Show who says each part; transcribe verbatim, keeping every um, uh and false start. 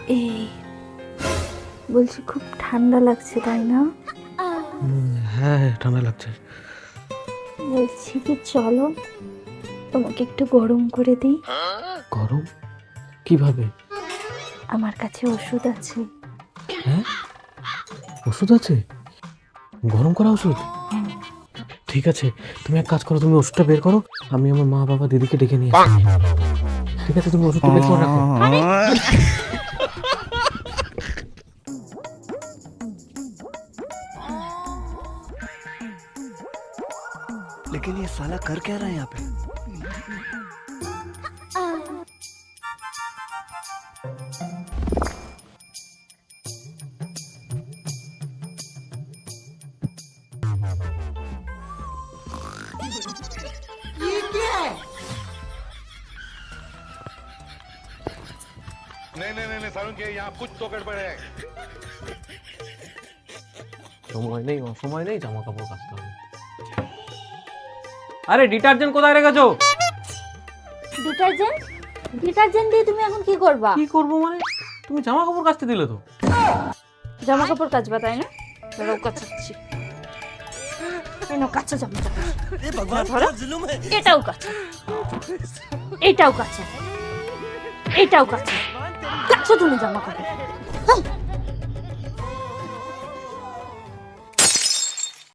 Speaker 1: এই বলছি খুব ঠান্ডা লাগছে তাই না?
Speaker 2: হ্যাঁ ঠান্ডা লাগছে।
Speaker 1: বলছি কি চলো তোমাকে একটু গরম করে দিই।
Speaker 2: গরম কিভাবে?
Speaker 1: আমার কাছে ওষুধ আছে।
Speaker 2: হ্যাঁ ওষুধ আছে? গরম করা ওষুধ? ঠিক আছে, তুমি এক কাজ করো, তুমি ওষুধটা বের করো, আমি আমার মা বাবা দিদিকে ডেকে নিয়ে আসি। ঠিক আছে, তুমি ওষুধটা বের করে রাখো।
Speaker 3: लेकिन ये साला कर क्या रहा है यहाँ पे?
Speaker 4: ये क्या है?
Speaker 5: नहीं नहीं नहीं सारुण के यहाँ कुछ तो गड़बड़ है।
Speaker 2: সময় নেই, অসময় নেই, জামা কাপড় কাচতে হবে।
Speaker 6: আরে ডিটারজেন্ট কোথায় রেখেছো?
Speaker 1: ডিটারজেন্ট? ডিটারজেন্ট দিয়ে তুমি এখন কি করবা?
Speaker 6: কি করবো মানে, তুমি জামা কাপড় কাচতে দিলে তো।
Speaker 1: জামা কাপড় কাচবা তাই না? ধরো কাচাচ্ছি। এই নাও কাঁচা জামা কাপড়।
Speaker 3: ए भगवान क्या जुल्म है?
Speaker 1: এটাও কাঁচা, এটাও কাঁচা, এটাও কাঁচা। কাঁচা তুমি জামা কাপড়।